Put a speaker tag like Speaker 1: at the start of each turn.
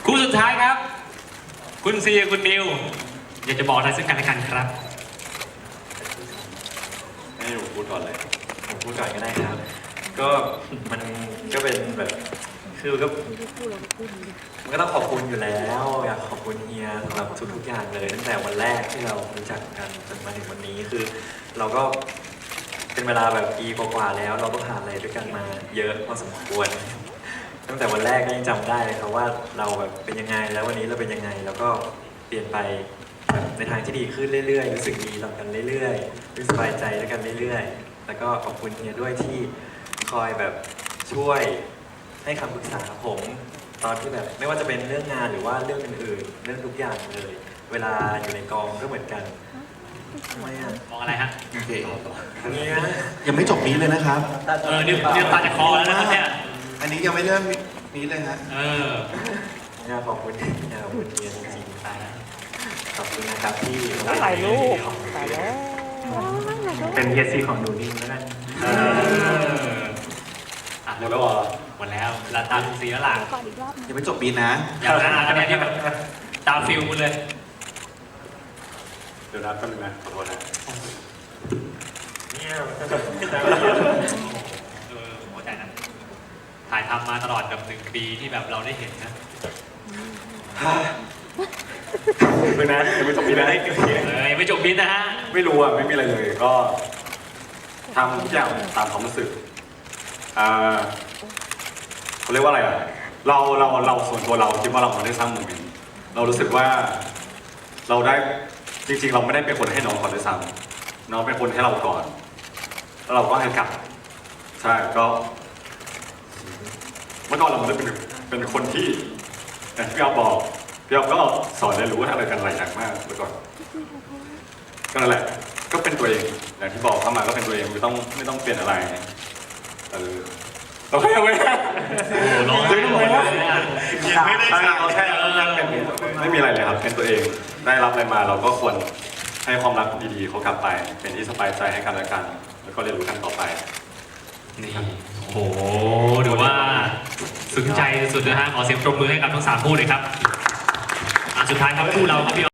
Speaker 1: คู่สุดท้ายครับคุณซีคุณนิวอยากจะบอกอะไรซึ่งกันและกันครับ
Speaker 2: ให้ผมพูดก่อนเลยผมพูดก่อนก็ได้ครับก็มันก็เป็นแบบคือก็มันก็ต้องขอบคุณอยู่แล้วอยากขอบคุณเฮียสำหรับทุกๆอย่างเลยตั้งแต่วันแรกที่เรารู้จักกันจนมาถึงวันนี้คือเราก็เป็นเวลาแบบปีกว่าๆแล้วเราก็ผ่านอะไรด้วยกันมาเยอะพอสมควรตั้งแต่วันแรกก็ยังจำได้เลยครับว่าเราแบบเป็นยังไงแล้ววันนี้เราเป็นยังไงแล้วก็เปลี่ยนไปในทางที่ดีขึ้นเรื่อยๆรู้สึกดีต่อกันเรื่อยๆรู้สบายใจด้วยกันเรื่อยๆแล้วก็ขอบคุณเฮียด้วยที่คอยแบบช่วยให้คำปรึกษาผมตอนที่แบบไม่ว่าจะเป็นเรื่องงานหรือว่าเรื่องอื่นๆเรื่องทุกอย่างเลยเวลาอยู่ในกองก็เหมือนกันทำไมอ่ะ
Speaker 1: มองอะไรฮะ
Speaker 3: โอเค
Speaker 2: เนี่ย
Speaker 3: ยังไม่จบนี้เลยนะครับ
Speaker 1: เนี่ยตาจากคอแล้วนะครับเนี่ย
Speaker 3: อันนี้ยังไม่เริ่มนี้เลยฮะ
Speaker 2: เนี่ยขอบคุณเนี่ยขอบคุณเฮียจริงๆขอบคุณนะครับที่
Speaker 4: ถ่ายรูปถ่ายแล้ว
Speaker 2: เป็นเฮียซีของหนูนิ่งแล้วกัน
Speaker 1: หมดแล้วเหรอหมดแล้วลาตามคุณซีแล้วล่ะ
Speaker 4: ก่อนอีกรอบ
Speaker 3: ยังไม่จบปีนะ
Speaker 1: อย่างนั้นคะแนนที่แบบตามฟิลคุณเลย
Speaker 2: เดี๋ยวนับกันนะขอโทษนะเนี่ย
Speaker 1: หัวใจนะถ่ายทำมาตลอดกับ1 ปีที่แบบเราได้เห็นนะ
Speaker 2: ไม่นะยังไม่จบปีนะ
Speaker 1: ยังไม่จบบินนะฮะ
Speaker 5: ไม่รู้อ่ะไม่มีอะไรเลยก็ทำทุกอย่างตามความรู้สึกเขาเรียกว่าอะไรอ่ะเราส่วนตัวเราคิดว่าเราได้สร้างโมเมนต์เรารู้สึกว่าเราได้จริงๆเราไม่ได้เป็นคนให้น้องก่อนด้วยซ้ำน้องเป็นคนให้เราก่อนแล้วเราก็ให้กลับใช่ก็เมื่อก่อนเราไม่ได้เป็นคนที่อย่างที่พี่อ๊อฟบอกพี่อ๊อฟก็สอนเรียนรู้อะไรกันหลายอย่างมากเมื่อก่อน ก็นั่นแหละ ก็เป็นตัวเอง อย่างที่บอกเข้ามาก็เป็นตัวเองไม่ต้องเปลี่ยนอะไรเราแค่ไม่ได้
Speaker 1: ร้องไห้หมดเลยอ่ะ
Speaker 5: เราแค่เป็นไม่มีอะไรเลยครับ เป็นตัวเอง ได้รับอะไรมาเราก็ควรให้ความรักดีๆเขากลับไป เป็นที่สบายใจให้กันและกัน แล้วก็เรียนรู้กันต่อไป
Speaker 1: นี่โอ้โหถือว่าซึ้งใจสุดนะฮะขอเสียงปรบมือให้กับทั้ง3 คู่เลยครับสุดท้ายครับคู่เราครับพี่